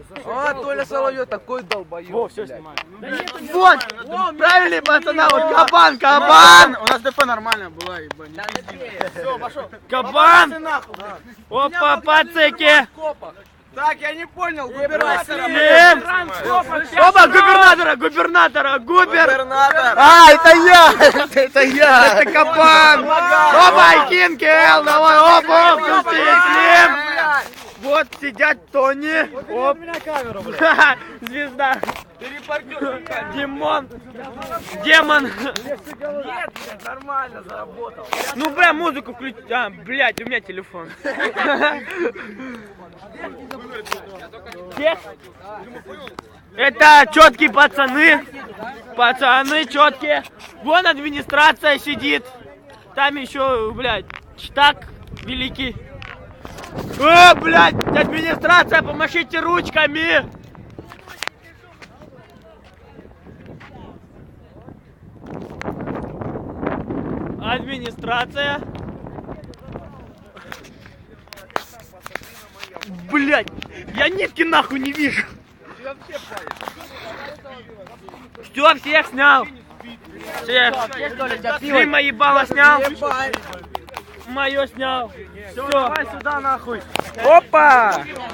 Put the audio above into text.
А, Толя Соловьев такой долбоёб. Во, все снимаю. Вот, правильный пацана, вот кабан. У нас ДП нормально была, ебать. Все, пошел. Кабан. Опа, пацаки. Так, я не понял, губернатора. Опа, губернатора. Губернатор. А, это я. Это кабан. Опа, Кинкел, давай, опа, Слим. Вот сидят Тони. Оп. Звезда. Демон. Нет, нормально заработал. Ну, бля, музыку включи. А, блядь, у меня телефон. Это четкие пацаны. Пацаны четкие. Вон администрация сидит. Там еще, блядь, штаг великий. О, блядь, администрация, помашите ручками. Администрация. Блядь, я нитки нахуй не вижу. Все, всех снял. Всех. Ты мои баллы снял. Мое снял. Все, давай сюда нахуй. Опа!